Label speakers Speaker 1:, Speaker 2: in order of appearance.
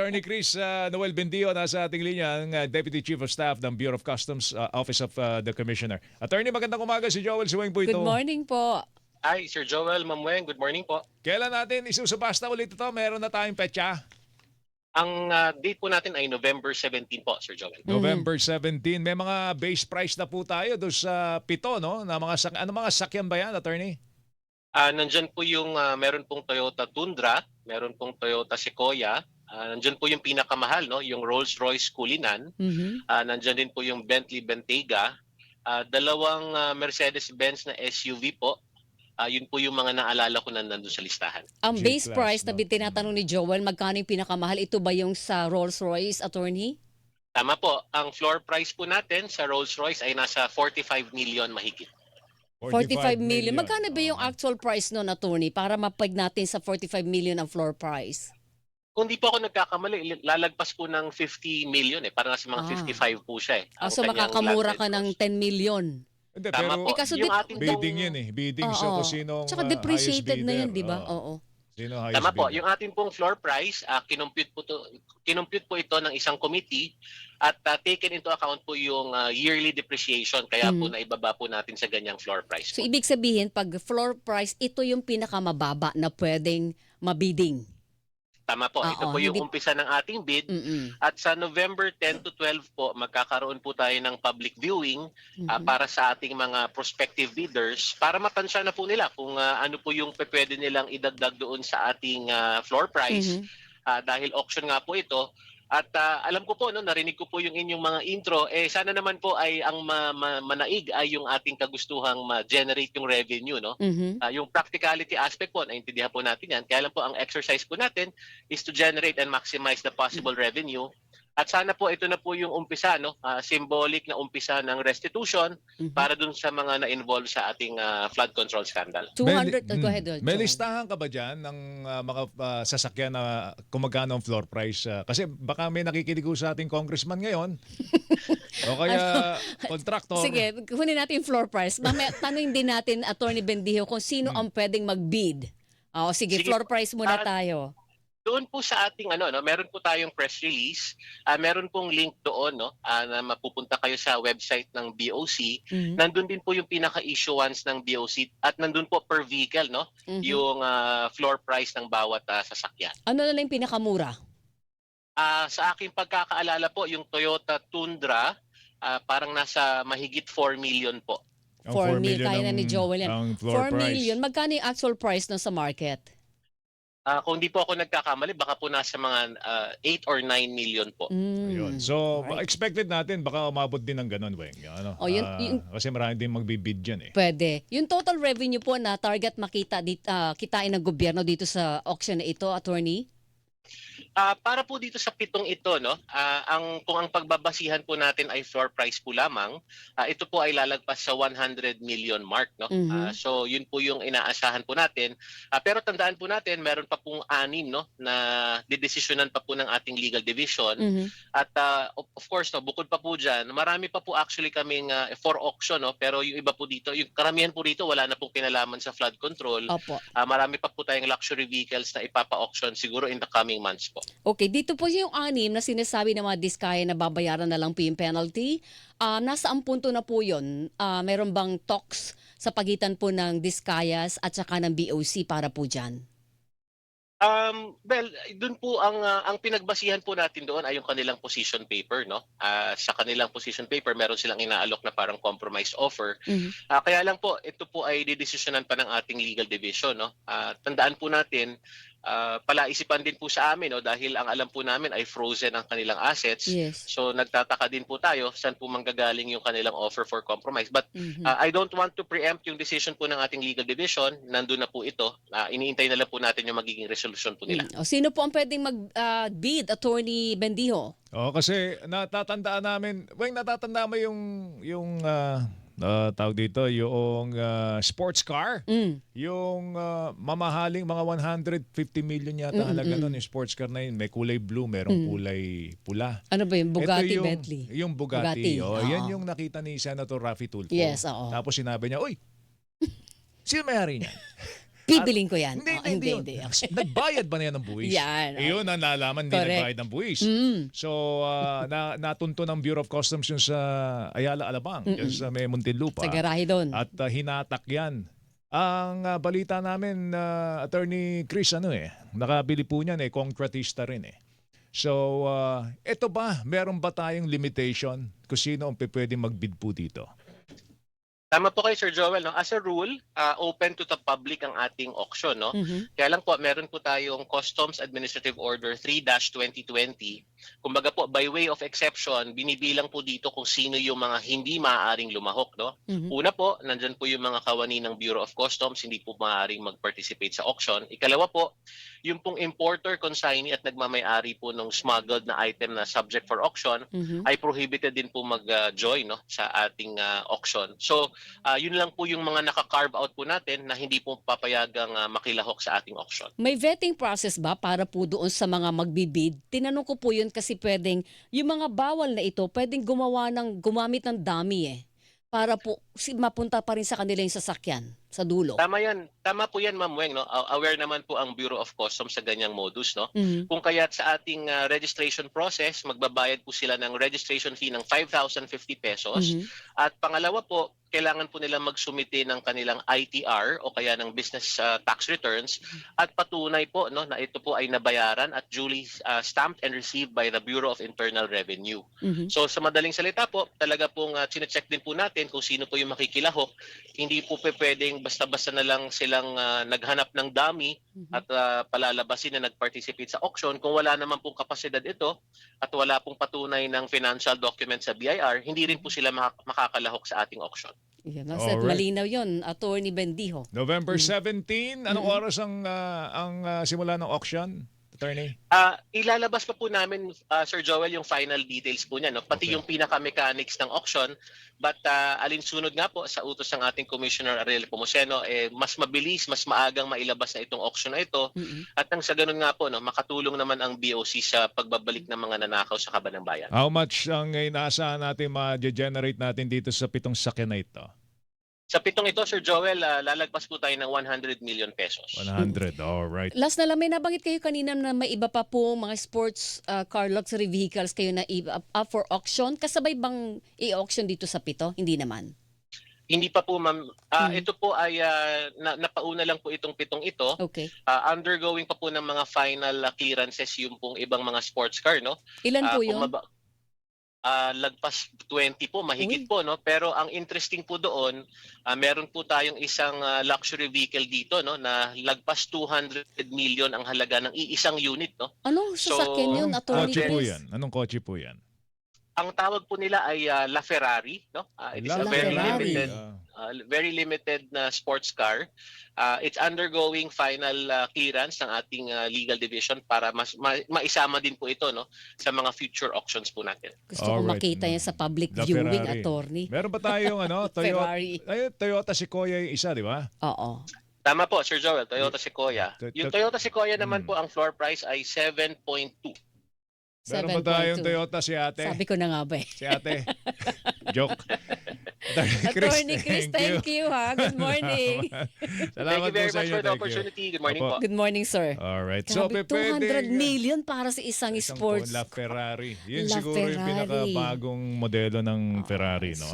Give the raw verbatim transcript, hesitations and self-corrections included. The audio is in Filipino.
Speaker 1: Attorney Chris uh, Noel Bendio nasa ating linya, ang uh, Deputy Chief of Staff ng Bureau of Customs, uh, Office of uh, the Commissioner. Attorney, magandang umaga. Si Joel Suweng po ito.
Speaker 2: Good morning po.
Speaker 3: Hi, Sir Joel, Ma'am Weng. Good morning po.
Speaker 1: Kailan natin isusubasta ulit ito? Meron na tayong petsa?
Speaker 3: Ang uh, date po natin ay November seventeenth po, Sir Joel.
Speaker 1: November seventeenth. May mga base price na po tayo doon sa pito, no? Na mga sak ano mga sakyan ba yan, Attorney?
Speaker 3: Uh, nandyan po yung, uh, meron pong Toyota Tundra, meron pong Toyota Sequoia, uh, nandyan po yung pinakamahal, no? Yung Rolls-Royce Cullinan,
Speaker 2: Mhm.
Speaker 3: uh, nandyan din po yung Bentley Bentayga, uh, dalawang uh, Mercedes-Benz na S U V po. Uh, yun po yung mga naalala ko na nandun sa listahan.
Speaker 2: Ang base
Speaker 1: G-class,
Speaker 2: price na
Speaker 1: no?
Speaker 2: tinatanong ni Joel, magkano yung pinakamahal? Ito ba yung sa Rolls-Royce, attorney?
Speaker 3: Tama po, ang floor price po natin sa Rolls-Royce ay nasa forty-five million mahigit.
Speaker 2: forty-five million. Magkano ba yung
Speaker 1: Oo.
Speaker 2: actual price nun, attorney? Para mapag natin sa forty-five million ang floor price.
Speaker 3: Kung di po ako nagkakamali, lalagpas po ng fifty million eh. Parang nasa mga
Speaker 2: Ah.
Speaker 3: fifty-five po siya eh.
Speaker 2: Ah,
Speaker 3: Ang
Speaker 2: so
Speaker 3: kanyang
Speaker 2: makakamura
Speaker 3: landed
Speaker 2: ka ng
Speaker 3: cost.
Speaker 2: ten million.
Speaker 1: Hindi,
Speaker 3: Tama
Speaker 1: pero
Speaker 3: po.
Speaker 2: Eh, kaso
Speaker 3: Yung
Speaker 2: di-
Speaker 3: ating
Speaker 1: bidding
Speaker 3: pong-
Speaker 1: yun eh. Bidding
Speaker 2: Oo.
Speaker 1: sa kung sinong
Speaker 2: Tsaka
Speaker 1: uh,
Speaker 2: depreciated
Speaker 1: highest
Speaker 2: na yan,
Speaker 1: bidder.
Speaker 2: di ba?
Speaker 1: Oo.
Speaker 2: Oo.
Speaker 1: Sino highest
Speaker 3: Tama po,
Speaker 1: bidder?
Speaker 3: yung ating pong floor price, uh, kinompute po, to, kinompute po ito ng isang committee at uh, taken into account po yung uh, yearly depreciation. Kaya po
Speaker 2: Mhm.
Speaker 3: naibaba po natin sa ganyang floor price
Speaker 2: So,
Speaker 3: po.
Speaker 2: ibig sabihin, pag floor price, ito yung pinakamababa na pwedeng mabidding.
Speaker 3: Tama po, ito
Speaker 2: Oo,
Speaker 3: po yung
Speaker 2: hindi-
Speaker 3: umpisa ng ating bid.
Speaker 2: Mm-mm.
Speaker 3: At sa November ten to twelve po, magkakaroon po tayo ng public viewing ah,
Speaker 2: Mhm.
Speaker 3: para sa ating mga prospective bidders para matansya na po nila kung ah, ano po yung pwede nilang idagdag doon sa ating ah, floor price.
Speaker 2: Mhm.
Speaker 3: Ah, dahil auction nga po ito. At ah, alam ko po, no, narinig ko po yung inyong mga intro, eh sana naman po ay ang ma- ma- manaig ay yung ating kagustuhang ma-generate yung revenue, no?
Speaker 2: Mhm.
Speaker 3: Ah, yung practicality aspect po, naintindihan po natin yan. Kaya lang po, ang exercise po natin is to generate and maximize the possible revenue. At sana po ito na po yung umpisa, no? Ah, symbolic na umpisa ng restitution
Speaker 2: Mhm.
Speaker 3: para dun sa mga na-involve sa ating ah, flood control scandal.
Speaker 2: two hundred,
Speaker 1: May-
Speaker 2: oh, go ahead.
Speaker 1: mm,
Speaker 2: Joel.
Speaker 1: May listahan ka ba dyan ng uh, mga uh, sasakyan na kung magkano ang floor price? Uh, kasi baka may nakikinig ko sa ating congressman ngayon. O kaya contractor.
Speaker 2: Sige, kunin natin yung floor price. Mamaya, tanungin din natin, Attorney Bendijo, kung sino ang pwedeng mag-bid. O, sige,
Speaker 3: Sige
Speaker 2: floor
Speaker 3: po.
Speaker 2: price muna
Speaker 3: Ah,
Speaker 2: tayo.
Speaker 3: Doon po sa ating ano no, meron po tayong press release. Ah, meron pong link doon no, ah, na mapupunta kayo sa website ng B O C.
Speaker 2: Mhm.
Speaker 3: Nandun din po yung pinaka-issuance ng B O C at nandun po per vehicle no,
Speaker 2: Mhm.
Speaker 3: yung ah, floor price ng bawat ah, sasakyan.
Speaker 2: Ano na lang yung pinakamura?
Speaker 3: Ah, sa aking pagkakaalala po, yung Toyota Tundra ah, parang nasa mahigit four million po.
Speaker 1: Ang
Speaker 2: four
Speaker 1: four
Speaker 2: mil,
Speaker 1: million
Speaker 2: kaya na
Speaker 1: ang-
Speaker 2: ni Joel yan.
Speaker 1: ang floor
Speaker 2: four
Speaker 1: price.
Speaker 2: million, magkano yung actual price na sa market?
Speaker 3: Ah, kung di po ako nagkakamali, baka po nasa mga ah, eight or nine million po.
Speaker 2: Mm.
Speaker 1: Ayun. So,
Speaker 2: Alright.
Speaker 1: expected natin baka umabot din ng ganun, Weng. Ano?
Speaker 2: Oh, yun-
Speaker 1: Ah,
Speaker 2: yun-
Speaker 1: kasi marami din magbibid dyan eh.
Speaker 2: Pwede. Yung total revenue po na target makita dit, ah, kitain ng gobyerno dito sa auction na ito, attorney?
Speaker 3: Ah, para po dito sa pitong ito, no, ah, ang kung ang pagbabasihan po natin ay floor price po lamang, ah, ito po ay lalagpas sa one hundred million mark, no.
Speaker 2: Mhm.
Speaker 3: Ah, so yun po yung inaasahan po natin. Ah, pero tandaan po natin, meron pa pong anim, no, na didesisyonan pa po ng ating legal division.
Speaker 2: Mhm.
Speaker 3: At ah, of, of course, no, bukod pa po diyan, marami pa po actually kaming ah, for auction, no, pero yung iba po dito, yung karamihan po dito wala na pong kinalaman sa flood control.
Speaker 2: Opo.
Speaker 3: Ah, marami pa po tayong luxury vehicles na ipapa-auction siguro in the coming months po.
Speaker 2: Okay, dito po yung anim na sinasabi ng mga diskaya na babayaran na lang po yung penalty. Ah, nasa ang punto na po yun? Ah, meron bang talks sa pagitan po ng diskayas at saka ng B O C para po dyan?
Speaker 3: Um, well, doon po ang ah, ang pinagbasihan po natin doon ay yung kanilang position paper, no? Ah, sa kanilang position paper, meron silang inaalok na parang compromise offer.
Speaker 2: Mhm.
Speaker 3: Ah, kaya lang po, ito po ay didesisyonan pa ng ating legal division, no? Ah, tandaan po natin, ah, palaisipan din po sa amin, no, dahil ang alam po namin ay frozen ang kanilang assets.
Speaker 2: Yes.
Speaker 3: So nagtataka din po tayo saan po manggagaling yung kanilang offer for compromise. But
Speaker 2: Mhm.
Speaker 3: Uh, I don't want to preempt yung decision po ng ating legal division. Nandun na po ito. Uh, iniintay na lang po natin yung magiging resolution po nila.
Speaker 2: Mm. O, sino po ang pwedeng mag-bid, Attorney Bendijo?
Speaker 1: Oo, kasi natatandaan namin, Weng, natatandaan mo yung, yung ah, ah, tawag dito, yung ah, sports car?
Speaker 2: Mm.
Speaker 1: Yung ah, mamahaling mga one hundred fifty million yata
Speaker 2: Mm,
Speaker 1: halaga
Speaker 2: mm.
Speaker 1: nun, yung sports car na yun. May kulay blue, merong
Speaker 2: Mm.
Speaker 1: kulay pula.
Speaker 2: Ano ba yung
Speaker 1: Ito
Speaker 2: Bugatti,
Speaker 1: yung,
Speaker 2: Bentley?
Speaker 1: Yung Bugatti.
Speaker 2: Bugatti,
Speaker 1: Oh,
Speaker 2: oo.
Speaker 1: yan yung nakita ni Senator Raffy Tulfo.
Speaker 2: Yes, oo.
Speaker 1: Tapos sinabi niya, uy, sino may-ari niyan?
Speaker 2: Bibiling ko yan.
Speaker 1: Hindi,
Speaker 2: Oh,
Speaker 1: hindi,
Speaker 2: hindi,
Speaker 1: hindi.
Speaker 2: hindi.
Speaker 1: Nagbayad ba na yan ng buwis?
Speaker 2: Yan, oh.
Speaker 1: Iyon ang nalaman, hindi
Speaker 2: Correct.
Speaker 1: nagbayad ng buwis.
Speaker 2: Mm.
Speaker 1: So, ah, na, natunto ng Bureau of Customs yun sa Ayala, Alabang,
Speaker 2: Mm-mm.
Speaker 1: yun sa may Muntinlupa.
Speaker 2: Sa garahe doon.
Speaker 1: At ah, hinatak yan. Ang ah, balita namin, ah, Attorney Chris, ano eh, nakabili po niyan eh, concretista rin eh. So, ah, eto ba, meron ba tayong limitation kung sino ang pwedeng magbid po dito?
Speaker 3: Tama po kayo, Sir Joel. No? As a rule, uh, open to the public ang ating auction. No?
Speaker 2: Mhm.
Speaker 3: Kaya lang po, meron po tayong Customs Administrative Order three dash twenty twenty. Kumbaga po, by way of exception, binibilang po dito kung sino yung mga hindi maaaring lumahok. No?
Speaker 2: Mhm.
Speaker 3: Una po, nandyan po yung mga kawani ng Bureau of Customs, hindi po maaaring mag-participate sa auction. Ikalawa po, yung pong importer, consignee at nagmamayari po ng smuggled na item na subject for auction,
Speaker 2: Mhm.
Speaker 3: ay prohibited din po mag-join no, sa ating uh, auction. So, uh, yun lang po yung mga naka-carve out po natin na hindi po papayagang uh, makilahok sa ating auction.
Speaker 2: May vetting process ba para po doon sa mga magbibid? Tinanong ko po yun kasi pwedeng, yung mga bawal na ito, pwedeng gumawa ng, gumamit ng dummy eh. Para po si, mapunta pa rin sa kanila yung sasakyan sa dulo.
Speaker 3: Tama yan. Tama po yan, Ma'am Weng. No? A- Aware naman po ang Bureau of Customs sa ganyang modus. No?
Speaker 2: Mhm.
Speaker 3: Kung kaya't sa ating uh, registration process, magbabayad po sila ng registration fee ng five thousand fifty pesos.
Speaker 2: Mhm.
Speaker 3: At pangalawa po, kailangan po nila magsumite ng kanilang I T R o kaya ng business uh, tax returns at patunay po no, na ito po ay nabayaran at duly uh, stamped and received by the Bureau of Internal Revenue.
Speaker 2: Mhm.
Speaker 3: So sa madaling salita po, talaga pong uh, chinecheck din po natin kung sino po yung makikilahok. Hindi po pe- pwedeng basta-basta na lang silang uh, naghanap ng dummy
Speaker 2: Mhm.
Speaker 3: at uh, palalabasin na nag-participate sa auction. Kung wala naman pong kapasidad ito at wala pong patunay ng financial document sa B I R, hindi rin po sila mak- makakalahok sa ating auction.
Speaker 2: Yan, Alright.
Speaker 1: Alright.
Speaker 2: Malinaw yun, Attorney Bendijo.
Speaker 1: November
Speaker 2: Mm.
Speaker 1: seventeenth, anong
Speaker 2: Mm-mm.
Speaker 1: oras ang ah, ang ah, simula ng auction, Attorney?
Speaker 3: Ah, ilalabas pa po namin, ah, Sir Joel, yung final details po niya, no? Pati
Speaker 1: Okay.
Speaker 3: yung pinaka-mechanics ng auction. But ah, alinsunod nga po sa utos ng ating Commissioner Ariel Pomoceno, eh, mas mabilis, mas maagang mailabas na itong auction na ito.
Speaker 2: Mhm.
Speaker 3: At nang sa ganun nga po, no, makatulong naman ang B O C sa pagbabalik ng mga nanakaw sa kaban ng bayan.
Speaker 1: How much ang inaasahan natin ma-generate natin dito sa pitong sakyan na ito?
Speaker 3: Sa pitong ito, Sir Joel, ah, lalagpas po tayo ng one hundred million pesos.
Speaker 1: one hundred, all right.
Speaker 2: Last na lang, may nabanggit kayo kanina na may iba pa po mga sports uh, car luxury vehicles kayo na i- up, up for auction. Kasabay bang i-auction dito sa pito? Hindi naman.
Speaker 3: Hindi pa po, ma'am. Ah,
Speaker 2: Hmm.
Speaker 3: Ito po ay ah, na, napauna lang po itong pitong ito.
Speaker 2: Okay.
Speaker 3: Ah, undergoing pa po ng mga final ah, clearances yung pong ibang mga sports car, no?
Speaker 2: Ilan
Speaker 3: Ah,
Speaker 2: po
Speaker 3: kung
Speaker 2: yun?
Speaker 3: maba- ah, lagpas twenty po, mahigit
Speaker 2: Uy.
Speaker 3: po, no? Pero ang interesting po doon, ah, meron po tayong isang ah, luxury vehicle dito, no? Na lagpas two hundred million ang halaga ng iisang unit, no?
Speaker 2: Anong
Speaker 3: So,
Speaker 2: sasakyan yun,
Speaker 1: Anong
Speaker 2: Attorney
Speaker 1: kotse po
Speaker 2: Chris?
Speaker 1: yan? Anong kotse po yan?
Speaker 3: Ang tawag po nila ay ah, La Ferrari, no? Ah, it is a
Speaker 2: La
Speaker 3: very
Speaker 2: Ferrari.
Speaker 3: limited
Speaker 1: Ah,
Speaker 3: uh, very limited na sports car. Uh, it's undergoing final uh, clearance ng ating uh, legal division para mas ma- maisama din po ito no sa mga future auctions po natin.
Speaker 2: Gusto ko
Speaker 1: Alright.
Speaker 2: makita yan sa public
Speaker 1: La
Speaker 2: viewing,
Speaker 1: Ferrari.
Speaker 2: Attorney.
Speaker 1: Meron ba tayong ano, Toyota,
Speaker 2: Ferrari.
Speaker 1: ay, Toyota Sequoia yung isa, di ba?
Speaker 2: Oo.
Speaker 3: Tama po, Sir Joel, Toyota Sequoia.
Speaker 1: To- to-
Speaker 3: Yung Toyota Sequoia naman
Speaker 1: Hmm.
Speaker 3: po ang floor price ay seven point two.
Speaker 1: Meron ba tayong
Speaker 2: seven point two.
Speaker 1: Toyota si ate?
Speaker 2: Sabi ko na nga ba eh.
Speaker 1: Si ate. Joke.
Speaker 2: Attorney Chris, thank you ha. Good morning.
Speaker 3: Thank
Speaker 1: Salamat
Speaker 3: you very
Speaker 1: po sa
Speaker 3: much
Speaker 1: inyo.
Speaker 3: for the
Speaker 1: Thank you.
Speaker 3: opportunity. Good morning
Speaker 1: Opo.
Speaker 3: po.
Speaker 2: Good morning, sir.
Speaker 1: Alright. So,
Speaker 2: Grabe,
Speaker 1: pe-
Speaker 2: two hundred
Speaker 1: pwedeng,
Speaker 2: million para sa isang,
Speaker 1: isang
Speaker 2: sports.
Speaker 1: La Ferrari. Yun
Speaker 2: La
Speaker 1: siguro yung
Speaker 2: Ferrari.
Speaker 1: pinakabagong modelo ng Ferrari, no?